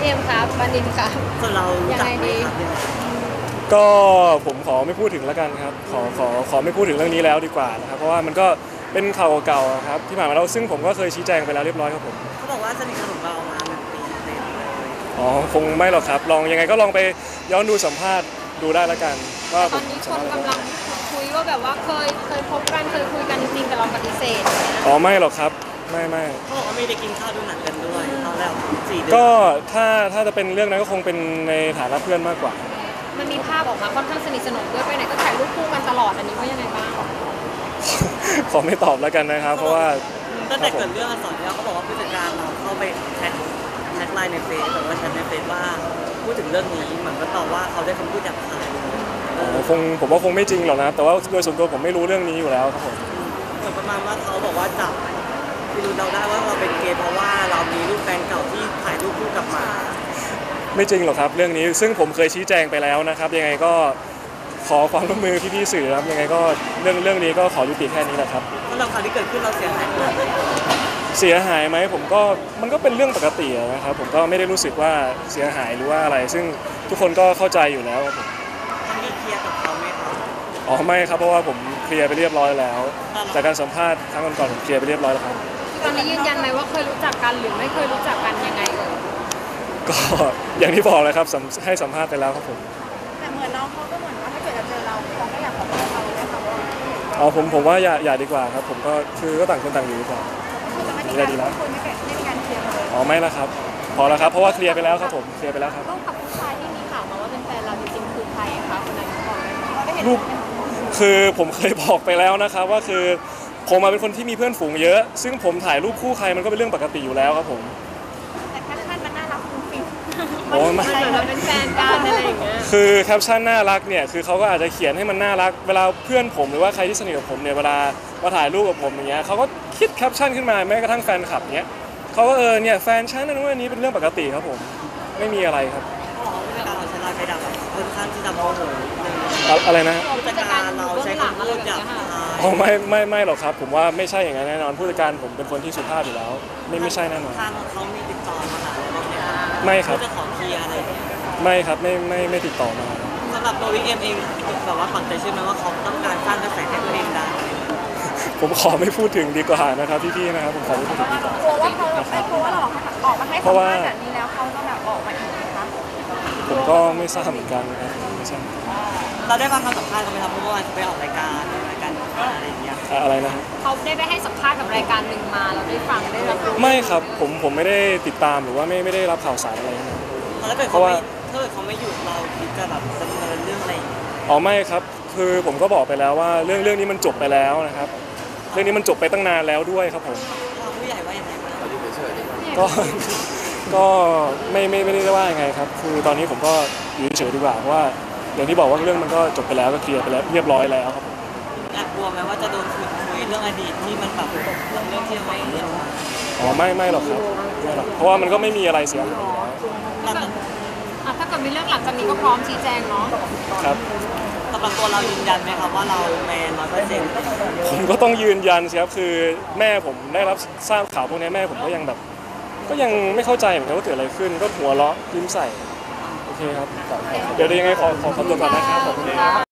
เอ็มครับบันดินครับส่วนเรายังไงดีก็ผมขอไม่พูดถึงแล้วกันครับขอไม่พูดถึงเรื่องนี้แล้วดีกว่านะครับเพราะว่ามันก็เป็นข่าวเก่าๆครับที่ผ่านมาแล้วซึ่งผมก็เคยชี้แจงไปแล้วเรียบร้อยครับผมเขาบอกว่าสนิทสนมเรามา1 ปีเต็มเลยอ๋อคงไม่หรอกครับลองยังไงก็ลองไปย้อนดูสัมภาษณ์ดูได้แล้วกันว่าตอนนี้คนกำลังคุยว่าแบบว่าเคยพบกันเคยคุยกันจริงๆแต่เราปฏิเสธอ๋อไม่หรอกครับไม่เขาบอกว่าไม่ได้กินข้าวดูหนังกันด้วยตอนแรก4 เดือนก็ถ้าจะเป็นเรื่องนั้นก็คงเป็นในฐานะเพื่อนมากกว่ามันมีภาพออกมาค่อนข้างสนิทสนมด้วยไปไหนก็ถ่ายรูปคู่กันตลอดอันนี้ว่ายังไงบ้างขอไม่ตอบแล้วกันนะครับเพราะว่าตั้งแต่เกิดเรื่องอักษรแล้วเขาบอกว่าผู้จัดการเราเข้าไปแท็กไลน์ในเฟซหรือว่าแชทในเฟซว่าพูดถึงเรื่องนี้เหมือนก็ตอบว่าเขาได้คำพูดหยาบคายผมว่าคงไม่จริงหรอกนะแต่ว่าโดยส่วนตัวผมไม่รู้เรื่องนี้อยู่แล้วครับผมเหมือนประมาณว่าเขาบอกว่าจับพี่รู้เราได้ว่าเราเป็นเกย์เพราะว่าเรามีรูปแฟนเก่าที่ถ่ายรูปคู่กับหมาไม่จริงหรอกครับเรื่องนี้ซึ่งผมเคยชี้แจงไปแล้วนะครับยังไงก็ขอความร่วมมือพี่ๆสื่อครับยังไงก็เรื่องนี้ก็ขอยุติแค่นี้แหละครับสำหรับข่าวที่เกิดขึ้นเราเสียหายไหมผมก็มันก็เป็นเรื่องปกตินะครับผมก็ไม่ได้รู้สึกว่าเสียหายหรือว่าอะไรซึ่งทุกคนก็เข้าใจอยู่แล้วครับผมมีเคลียร์กับเขาไหมครับอ๋อไม่ครับเพราะว่าผมเคลียร์ไปเรียบร้อยแล้วจากการสัมภาษณ์ครั้งก่อนผมเคลียร์ไปเรียบร้อยแล้วครับตอนนี้ยืนยันไหมว่าเคยรู้จักกันหรือไม่เคยรู้จักกันยังไงก็อย่างที่บอกเลยครับให้สัมภาษณ์ไปแล้วครับผมแต่เหมือนน้องเขาก็เหมือนว่าถ้าเกิดจะเจอเราเขาก็อยากขอโทษเราเลยค่ะว่าอ๋อผมว่าอย่าดีกว่าครับผมก็คือก็ต่างคนต่างอยู่ดีกว่าไม่ได้ดีแล้วไม่มีการเคลียร์เลยอ๋อไม่ละครับพอแล้วครับเพราะว่าเคลียร์ไปแล้วครับผมเคลียร์ไปแล้วครับต้องกับผู้ชายที่มีข่าวมาว่าเป็นแฟนเราจริงๆคือใครคะคนนั้นก่อนได้เห็นรูปคือผมเคยบอกไปแล้วนะครับว่าคือผมมาเป็นคนที่มีเพื่อนฝูงเยอะซึ่งผมถ่ายรูปคู่ใครมันก็เป็นเรื่องปกติอยู่แล้วครับผมแต่แคปชั่นมันน่ารักฟุ้งฟิ้งมันเหมือนเราเป็นแฟนกันอะไรอย่างเงี้ยคือแคปชั่นน่ารักเนี่ยคือเขาก็อาจจะเขียนให้มันน่ารักเวลาเพื่อนผมหรือว่าใครที่สนิทกับผมเนี่ยเวลามาถ่ายรูปกับผมอย่างเงี้ยเขาก็คิดแคปชั่นขึ้นมาแม้กระทั่งแฟนคลับเนี้ยเขาก็เนี่ยแฟนฉันนั่นนู่นนี้เป็นเรื่องปกติครับผมไม่มีอะไรครับผู้จัดการเราใช้ไลน์ไปดับค่อนข้างที่จะโมโหอะไรนะผู้จัดการเราใช้คำพูดหยาบคายอ๋อไม่หรอกครับผมว่าไม่ใช่อย่างนั้นแน่นอนผู้จัดการผมเป็นคนที่สุภาพอยู่แล้วไม่ใช่แน่นอนทางเขามีติดต่อมาหาเราไหมครับไม่ครับจะขอเคลียร์อะไรไม่ครับไม่ติดต่อมาสำหรับตัววิกเอ็มเองแบบว่าฝังใจเชื่อไหมว่าเขาต้องการสร้างกระแสให้ตัวเองได้ผมขอไม่พูดถึงดีกว่านะครับพี่ๆนะครับผมขอไม่พูดถึงดีกว่ากลัวว่าเขากลัวว่าเราออกมาให้สัมภาษณ์แบบนี้แล้วเขาจะแบบออกมาอีกไหมคะผมก็ไม่ทราบเหมือนกันนะครับไม่ใช่เราได้ฟังคำสัมภาษณ์เขาไหมครับเพราะว่าไปออกรายการอะไรอย่างเงี้ยอะไรนะเขาได้ไปให้สัมภาษณ์กับรายการหนึ่งมาเราได้ฟังได้รับรู้ไม่ครับผมไม่ได้ติดตามหรือว่าไม่ได้รับข่าวสารอะไรนะเพราะว่าถ้าเขาไม่หยุดเราคิดจะแบบดำเนินเรื่องอะไรอ๋อไม่ครับคือผมก็บอกไปแล้วว่าเรื่องนี้มันจบไปแล้วนะครับเรื่องนี้มันจบไปตั้งนานแล้วด้วยครับผมผู้ใหญ่ว่าอย่างไรบ้างก็ไม่ได้ว่ายังไงครับคือตอนนี้ผมก็อยู่เฉยๆดีกว่าเพราะว่าอย่างที่บอกว่าเรื่องมันก็จบไปแล้วก็เคลียร์ไปแล้วเรียบร้อยแล้วครับแอบกลัวไหมว่าจะโดนขุดคุยเรื่องอดีตที่มันแบบเรื่องที่ไม่เรื่องอ๋อไม่หรอกครับไม่หรอกเพราะว่ามันก็ไม่มีอะไรเสียหายถ้าเกิดมีเรื่องหลังจากนี้ก็พร้อมชี้แจงเนาะครับสำหรับตัวเรายืนยันไหมครับว่าเราแมน100% ผมก็ต้องยืนยันสิครับคือแม่ผมได้รับทราบข่าวพวกนี้แม่ผมก็ยังแบบก็ยังไม่เข้าใจเหมือนกันว่าเกิดอะไรขึ้นก็หัวเราะยิ้มใส่โอเคครับเดี๋ยวยังไงขอคำตอบก่อนนะครับขอบคุณครับ